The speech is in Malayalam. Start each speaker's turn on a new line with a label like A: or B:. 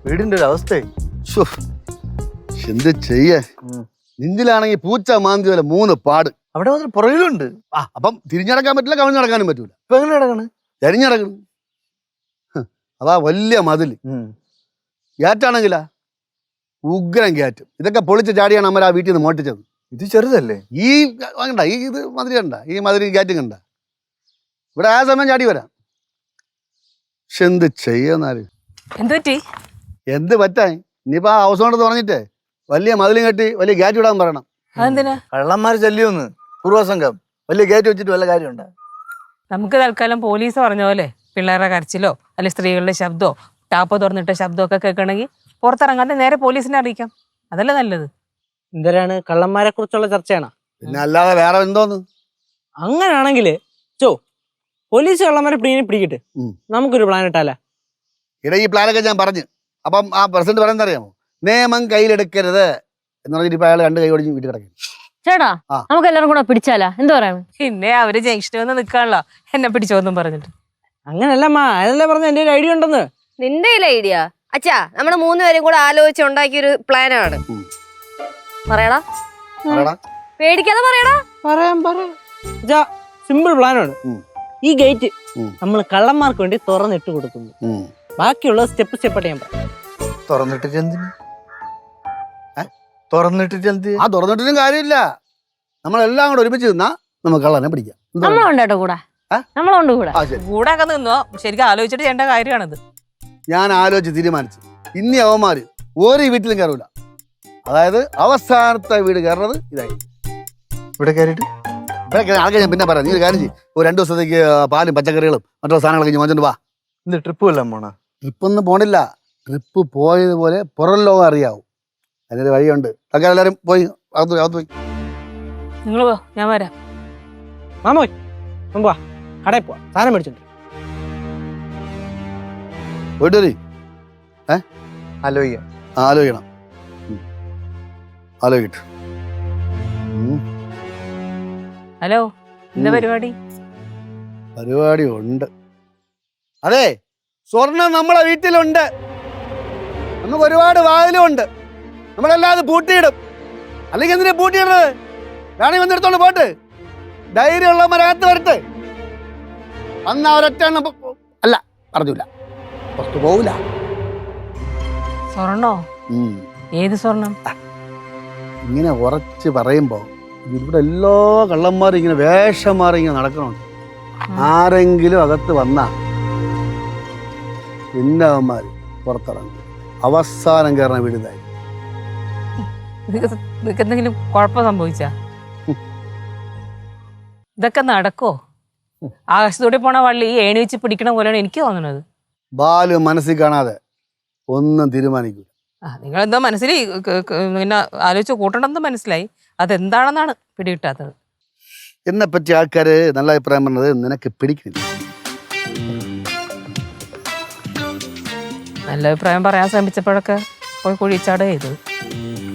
A: വീടിന്റെ ഒരു അവസ്ഥ.
B: എന്ത് ചെയ്യേ, നെഞ്ചിലാണെങ്കിൽ പൂച്ച മാന്തി പോലെ 3 പാട്.
A: അവിടെ മാത്രം പുറകിലുണ്ട്.
B: അപ്പം തിരിഞ്ഞടക്കാൻ പറ്റില്ല, കവിഞ്ഞ് നടക്കാനും പറ്റൂല.
A: ഇപ്പൊ എങ്ങനെ നടക്കണ്?
B: ചരിഞ്ഞടക്കണം. അതാ വലിയ മതില്. ഗ്യാറ്റാണെങ്കിലാ ഉഗ്രം ഗ്യാറ്റ്. ഇതൊക്കെ പൊളിച്ച് ചാടിയാണ് അമ്മ ആ വീട്ടിൽ നിന്ന് മോട്ടിച്ചത്.
A: ഇത് ചെറുതല്ലേ?
B: ഈ കണ്ട ഇത് മതിരി കണ്ട, ഈ മതിരി ഗ്യാറ്റും കണ്ട. ഇവിടെ ആ സമയം ചാടി വരാം. പക്ഷെ എന്ത് ചെയ്യുന്നാല്, എന്ത് പറ്റാൻ? ഇനിയിപ്പോ ആ ഹൗസ് ഓണർ പറഞ്ഞിട്ടേ വലിയ മതിലും കെട്ടി വലിയ ഗ്യാറ്റ് വിടാൻ പറയണം.
C: അതെന്തിനാ?
A: കള്ളന്മാര് ശല്യമൊന്ന് പൂർവ്വസംഘം വലിയ ഗേറ്റ് വെച്ചിട്ട് വല്ല കാര്യമുണ്ടോ?
C: നമുക്ക് തൽക്കാലം പോലീസ് പറഞ്ഞ പോലെ പിള്ളേരുടെ കരച്ചിലോ അല്ലെങ്കിൽ സ്ത്രീകളുടെ ശബ്ദമോ ടാപ്പ് തുറന്നിട്ട ശബ്ദമൊക്കെ കേൾക്കണമെങ്കിൽ പുറത്തിറങ്ങാതെ നേരെ പോലീസിനെ അറിയിക്കാം. അതല്ലേ നല്ലത്.
D: എന്തരാണ്, കള്ളന്മാരെ കുറിച്ചുള്ള ചർച്ചയാണോ?
B: പിന്നെ അല്ലാതെ വേറെ എന്തോന്ന്?
D: അങ്ങനാണെങ്കില് പോലീസ് കള്ളന്മാരെ പിടിക്കിട്ട് നമുക്കൊരു പ്ലാൻ ഇട്ടാലേ?
B: ഇട ഈ പ്ലാനൊക്കെ ഞാൻ പറഞ്ഞു. അപ്പം ആ പ്രസിഡന്റ് പറയുന്നത് അറിയാമോ? നിയമം കയ്യിലെടുക്കരുത് എന്ന് പറഞ്ഞിട്ട് ഇപ്പൊ അയാൾ 2 കൈ ഓടിച്ച് വീട്ടിൽ കിടക്കും.
E: ചേട്ടാ, നമുക്ക് എല്ലാവരും കൂടെ പിടിച്ചാലാ? എന്താ പറയാ?
C: പിന്നെ അവര് ജംഗ്ഷനിൽ വന്ന് നിൽക്കാണല്ലോ എന്നെ പിടിച്ചോന്നും പറഞ്ഞിട്ട്.
D: അങ്ങനല്ല അതല്ലേ പറഞ്ഞ എന്റെ ഒരു ഐഡിയ ഉണ്ടെന്ന്.
F: നിന്റെ ഐഡിയ അച്ഛാ, നമ്മള് 3 പേരും കൂടെ ആലോചിച്ച് ഉണ്ടാക്കിയൊരു പ്ലാനാണ്. പറയടാ, പേടിക്കാതെ പറയടാ.
D: പറയാം. സിമ്പിൾ പ്ലാനാണ്. ഈ ഗേറ്റ് നമ്മൾ കള്ളന്മാർക്ക് വേണ്ടി തുറന്നിട്ട് കൊടുക്കുന്നു. ബാക്കിയുള്ള സ്റ്റെപ്പ് സ്റ്റെപ്പായിട്ട് ഞാൻ പറയാം.
A: തുറന്നിട്ടിട്ട് എന്തിന്? തുറന്നിട്ടിട്ട് എന്ത്?
B: ആ തുറന്നിട്ടൊന്നും കാര്യമില്ല. നമ്മളെല്ലാം കൂടെ ഒരുമിച്ച് നിന്നാ നമുക്ക് കള്ളനെ പിടിക്കാം.
E: നമ്മളുണ്ട് കേട്ടോ കൂടെ, നമ്മളുണ്ട് കൂടെ.
C: കൂടെ ഒക്കെ നിന്നോ, ശരിക്കും ആലോചിച്ചിട്ട് ചെയ്യേണ്ട കാര്യമാണിത്.
B: ഞാൻ ആലോചിച്ച് തീരുമാനിച്ചു, ഇനി അവന്മാര് ഒരു വീട്ടിലും കയറൂല. അതായത് അവസാനത്തെ വീട് കയറുന്നത് ഇതായി.
A: ഇവിടെ കയറിയിട്ട്
B: ഇവിടെ ആൾക്കാർ ഞാൻ പിന്നെ പറയാം. നീ ഒരു കാര്യം ചെയ്യും, ഒരു 2 ദിവസത്തേക്ക് പാലും പച്ചക്കറികളും മറ്റുള്ള സാധനങ്ങളൊക്കെ വാങ്ങിച്ചോണ്ട് വാ.
A: എന്ത് ട്രിപ്പ് വല്ലതും പോണ?
B: ട്രിപ്പൊന്നും പോണില്ല. ട്രിപ്പ് പോയതുപോലെ പുറം ലോകം അറിയാവും. അതിനൊരു വഴിയുണ്ട്. ഒക്കെ എല്ലാവരും പോയി അകത്ത് പോയി.
C: നിങ്ങൾ പോ, ഞാൻ വരാം.
D: മാമോയ് മുമ്പാ കടയിൽ പോവാ, സാധനം മേടിച്ചിട്ട്.
B: പോയിട്ട് വരി.
A: ആലോചിക്കാം.
B: ആലോചിക്കണം. ആലോചിക്കട്ടെ.
C: ഹലോ, എന്താ പരിപാടി?
B: പരിപാടി ഉണ്ട്. അതെ, സ്വർണം നമ്മളെ വീട്ടിലുണ്ട്. നമുക്ക് ഒരുപാട് വാതിലും ഉണ്ട്. നമ്മളല്ലാതെ പൂട്ടിയിടും. അല്ലെങ്കിൽ എന്തിനാ പൂട്ടിയിടുന്നത്? വേണമെങ്കിൽ വന്നെടുത്തോണ്ട് പോട്ട്. ധൈര്യമുള്ളവരകത്ത് വരട്ടെ. അന്ന് അവരൊറ്റ അല്ല പറഞ്ഞില്ല, പുറത്തു പോവില്ല.
C: സ്വർണ്ണോ? ഏത് സ്വർണം?
B: ഇങ്ങനെ ഉറച്ച് പറയുമ്പോ ഇവിടെ എല്ലാ കള്ളന്മാരും ഇങ്ങനെ വേഷം മാറി ഇങ്ങനെ നടക്കണുണ്ട്. ആരെങ്കിലും അകത്ത് വന്നാ പിന്നെ അവന്മാര് പുറത്തിറങ്ങും. അവസാനം കയറണ വീടുതായി.
C: നിനക്ക് എന്തെങ്കിലും കുഴപ്പം സംഭവിച്ചാ? ഇതൊക്കെ നടക്കോ? ആകാശത്തൂടെ പോണ വള്ളി ഏണി വെച്ച് പിടിക്കണ പോലെയാണ് എനിക്ക് തോന്നുന്നത്.
B: ബാലു മനസ്സിൽ കാണാതെ ഒന്നും തീരുമാനിക്കൂല.
C: നിങ്ങളെന്തോ മനസ്സിൽ പിന്നെ ആലോചിച്ച് കൂട്ടണമെന്ന് മനസ്സിലായി. അതെന്താണെന്നാണ് പിടികിട്ടാത്തത്.
B: എന്നെ പറ്റി ആൾക്കാര് നല്ല അഭിപ്രായം പറഞ്ഞത് നിനക്ക് പിടിക്കുന്നില്ല.
C: നല്ല അഭിപ്രായം പറയാൻ ശ്രമിച്ചപ്പോഴൊക്കെ പോയി കുഴിച്ചാട് ചെയ്തത്.